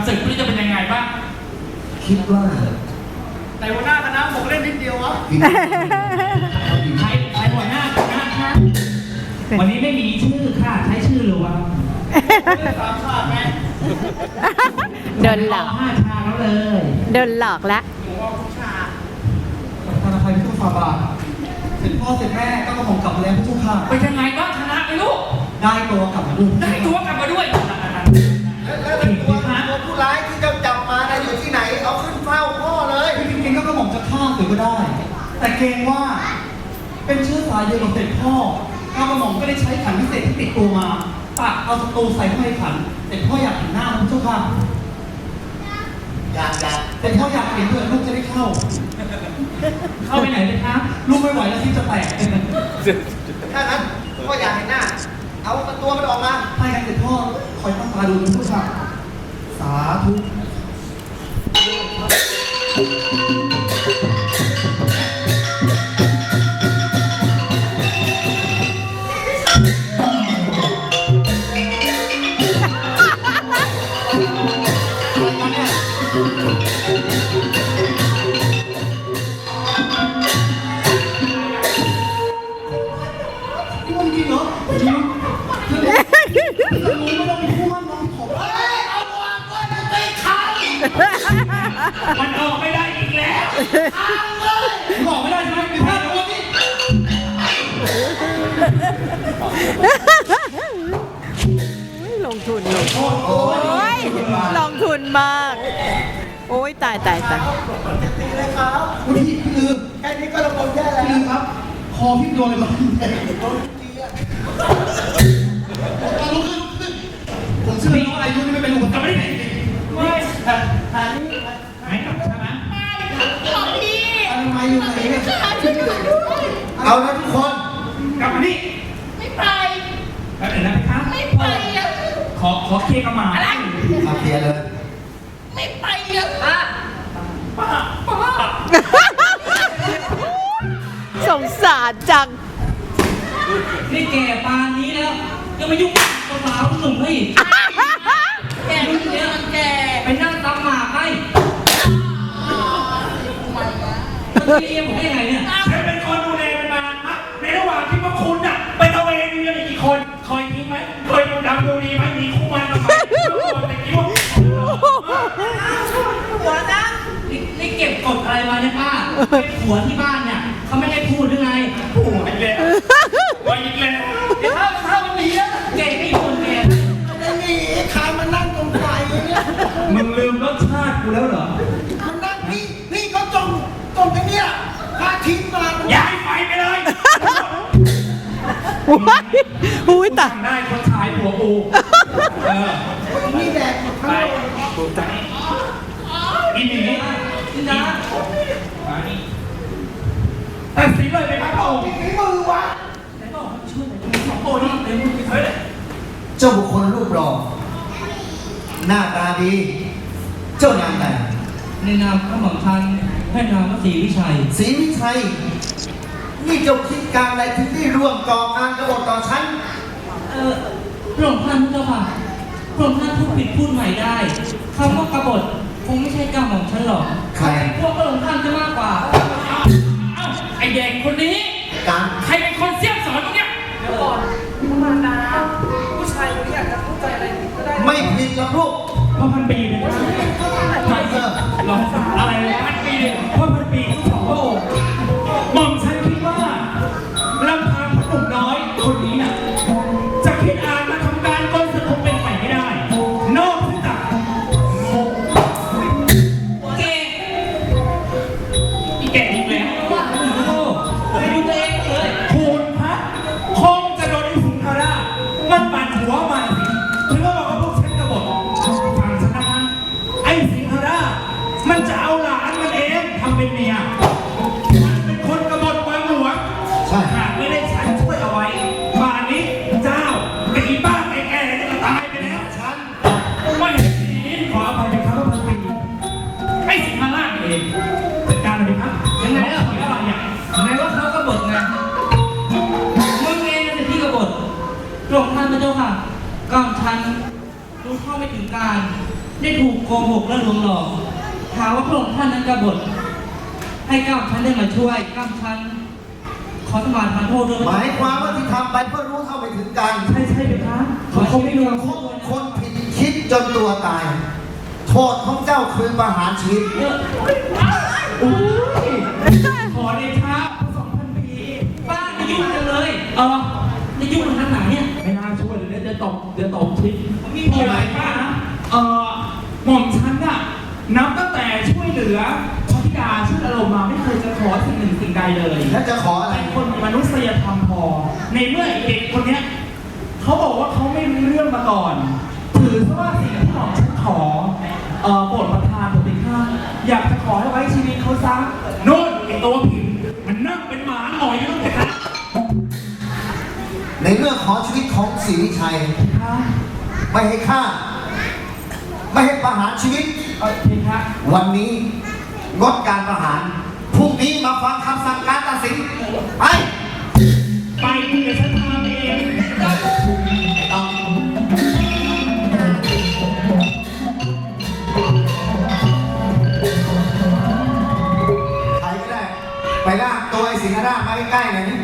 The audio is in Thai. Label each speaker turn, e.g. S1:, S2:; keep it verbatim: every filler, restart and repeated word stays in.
S1: ศึกไม่รู้จะเป็นยังไงบ้าง
S2: คิดว่า
S3: แต่หัวหน้าคณะบอกเล่นนิดเดียววะ
S1: ใครใครหัวหน้าคณะคะวันนี้ไม่มีชื่อค่ะใช้ชื่อหรือวะ
S3: สามชาติไหม
S4: โดนหลอก
S1: ห้าชาแล้วเลย
S4: โดนหลอกแล้ว
S3: หนูว่าทุกชาติ
S2: ธนาคารพิทูลฟาบาเสร็จพ่อเสร็จแม่ก็กระผมกลับมาแล้วทุกข้า
S1: เป็นยังไงบ้างชนะไหมลูก
S2: ได้ตัวกลับมาด้วย
S1: ได้ตัวกลับมาด้วย
S3: แล้วตัวตัวผู้ร้ายที่จะจับมานะอยู่ที่ไหนเอาขึ้นเฝ้าพ่อเลย
S2: จริงๆก็กระผมจะฆ่าหรือก็ได้แต่เกรงว่าเป็นเชื้อสายเดียวกับเสร็จพ่อกระหม่อมก็ได้ใช้ขันพิเศษที่ติดตัวมาตักเอาศัตรูใส่เข้าในขันเสร็จพ่ออยากเห็นหน้าพระเจ้าค่ะ
S3: อยากอยาก
S2: เสร็จพ่ออยากเห็นเพื่อนลูกจะได้เข้า
S1: เข้าไปไหนเลยครับ
S2: ลูกไม่ไหวแล้วที่จะแตก
S3: ถ้างั้นพ่ออยากเห็นหน้าเอาตัวมันออกมา
S2: ให้กันเสร็จพ่อคอยตั้งตาดูนะพระเจ้าค่ะสาธุ
S1: มันออกไม่ได้อีกแล้วทางเลยออกไม่ได้ใช่ไหมมีภาพตัวนี้
S4: ลงทุนลงทุนโอ้ยลงทุนมากโอ้ยตายตายตาย
S3: ตีเลยครับ
S2: พี่พี่ลืม
S3: แค่นี้ก็ระบบแย่แล้ว
S2: พี่ลืมครับคอพี่โดนอะไรมา
S3: โดนตีอ่ะ
S2: ลุกขึ้นผมเชื่อว่าอายุนี่ไม่เป็นอุปสรรคไม่ได้
S1: ไม่แต่แต่นี่ไม่กลับใช่ไหม
S2: ไม่ของพี่อะไรมาอยู่ไหนเนี่ย
S3: เอานะทุกคน
S1: กลับมานี่
S5: ไม่ไป
S1: แป๊บนึงนะพี่ครับ
S5: ไม่ไปอ่ะ
S1: ขอขอเคลียร์กับหมา
S5: อะไร
S3: มาเคลียร์เลย
S5: ไม่ไปอ่ะป้า
S1: ป้าป้า
S4: สงสารจัง
S1: นี่แก่ปานนี้แล้วยังมายุ่งกับสาวหนุ่มให้
S5: แกมันเยอะแก
S1: ไปนั่งตำหมากให้มันเรียกผมได้ไงเนี่ยฉันเป็นคนดูแลมันมาในระหว่างที่พวกคุณน่ะไปตะเวนมีกันกี่คนเคยทิ้งไหมเคยดูดำดูดีไหมมีคู่มันมาไหมแต่คิดว่า
S5: หัวนะ
S1: นี่เก็บกดอะไรมาเนี่ยป้าผัวที่บ้านเนี่ยเขาไม่ให้พูดหรือไงผัวอีกแล้วผัวอีกแล้วเดี๋ยวถ้าถ้ามันหนีแล้วเก่งไม่คนแก่
S3: ไม่หนีใครมานั่งตรงไฟเนี่ย
S1: มึงลืมรสชาติกูแล้วเหรอ
S3: มันนั่งนี่นี่เขาจมจมไปเนี่ยพาทิ้งมา
S1: ย้ายไฟไปเลย
S4: อุ้ยอุ้ยตาย
S1: ได้คนชายผัวกูเออ
S3: นี่แดกหมดทั้งหมด
S1: อีหนีนี่นะแต่สีเลยไปครับผม
S3: ฝีมือวะ
S1: ไหนบอกให้ช่วยหน่อยสองโบนี่เดี๋ยวมึงไปเฮ้ย
S3: เจ้าบุคคลรูปหล่อหน้าตาดีเจ้านามใด
S1: ในนามพระหม่อมชันให้นามว่าศรีวิชัย
S3: ศรีวิชัยนี่เจ้าคิดการอะไรถึงได้ร่วมก่อการกบฏต่อฉัน
S1: เออพระองค์ท่านเจ้าค่ะพระองค์ท่านพูดผิดพูดใหม่ได้คำว่ากบฏคงไม่ใช่กรรมของฉันหรอก
S3: ใคร
S1: พวกพระองค์ท่านจะมากกว่าเอ้าไอแดงคนนี้
S3: การ
S1: ใครเป็นคนเสี่ยมสอนตรงเนี้ย
S5: เดี๋ยวก่อนมาดาผู้ชายคนนี้อยากจะเข้าใจอะไรก็ได้
S3: ไม่ผิดหรอกลูก
S1: เพราะพันปีเลยไม่เออลองอะไรพันปีเลยเพราะพันปีทุกสองพระองค์หม่อมฉันคิดว่าลำพังหนุ่มน้อยคนนี้น่ะจะคิดอ่านมาทำการก้นสนุกเป็นใหม่ไม่ได้นอกจากเก่งอีแก่อีกแล้วว่าโอ้โหไปดูตัวเองเลยคูณพัดคงจะโดนไอ้สิงคารามันปั่นหัวมันถึงก็บอกว่าพวกฉันกบฏฟังฉันนะไอ้สิงคารามันจะเอาหลานมันเองทำเป็นเมียมันเป็นคนกบฏวางหลวงหากไม่ได้ฉันช่วยเอาไว้ป่านนี้เจ้ากับอีบ้าแก่ๆจะตายไปแล้วฉันไม่เห็นสีขออภัยเป็นครั้งพันปีไอ้สิงคาราเองจัดการเลยครับยังไงล่ะพี่อะไรอย่างไหนว่าเขากบฏไงมึงเองเป็นที่กบฏตรงท่านพระเจ้าค่ะก่อนฉันรู้เข้าไม่ถึงการ
S2: ได้ถูกโกหกและลวงหลอกหาว่าพระองค์ท่านนั้นกบฏให้ก้าวฉันได้มาช่วยก้าวฉันขอสมาทานโทษด้วย
S3: หมายความว่าที่ทำไปเพื่อรู้เท่าไม่ถึงกัน
S1: ใช่ใช่ไหมคะ
S2: เขาเขาไม่รู้
S3: คบคนผิดคิดจนตัวตาย โทษของเจ้าคือประหารชีวิต
S2: เยอะ
S1: อุ้ยขอเดชะพระสองพันปี
S2: บ้านจะยุ่งจังเลยเออจะยุ่งมันขนาดไหนเนี่ย
S1: ไม่น่าช่วยเลยเนี่ยเดี๋ยวตกเดี๋ยวตกทิศ
S2: มี
S1: มี
S2: อะ
S1: อะไร ไร
S2: บ้า
S1: บ้าง ง
S2: นะ
S1: เอ่อหม่อมฉันน่ะนับตั้งแต่ช่วยเหลือพระธิดาชื่ออารมณ์มาไม่เคยจะขอสิ่งหนึ่งสิ่งใดเลย
S3: แล้วจะขออะไร
S1: เป็นคนมีมนุษยธรรมพอ ในเมื่อไอ้เด็กคนเนี้ยเขาบอกว่าเขาไม่รู้เรื่องมาก่อน ถือซะว่าสิ่งที่หม่อมฉันขอเอ่อโปรดประทานผมเป็นข้าอยากจะขอให้ไว้ชีวิตเขาซะโน่นไอ้ตัวผิดมันนั่งเป็นหมาหน่อยอยู่ตั้งแต่นั้น
S3: ในเรื่องขอชีวิตของศรีวิชัย
S1: ค่ะ
S3: ไม่ให้ฆ่า ไม่ให้ประหารชีวิต
S1: เออเพคะ
S3: วันนี้งดการประหาร พรุ่งนี้มาฟังคำสั่งการตัดสินไป
S1: ไปคุณเดี๋ยวฉันพาไปเอง
S3: ใครก็ได้ ไปลากตัวไอ้สิงห์ราชมาใกล้ๆหน่อยนี่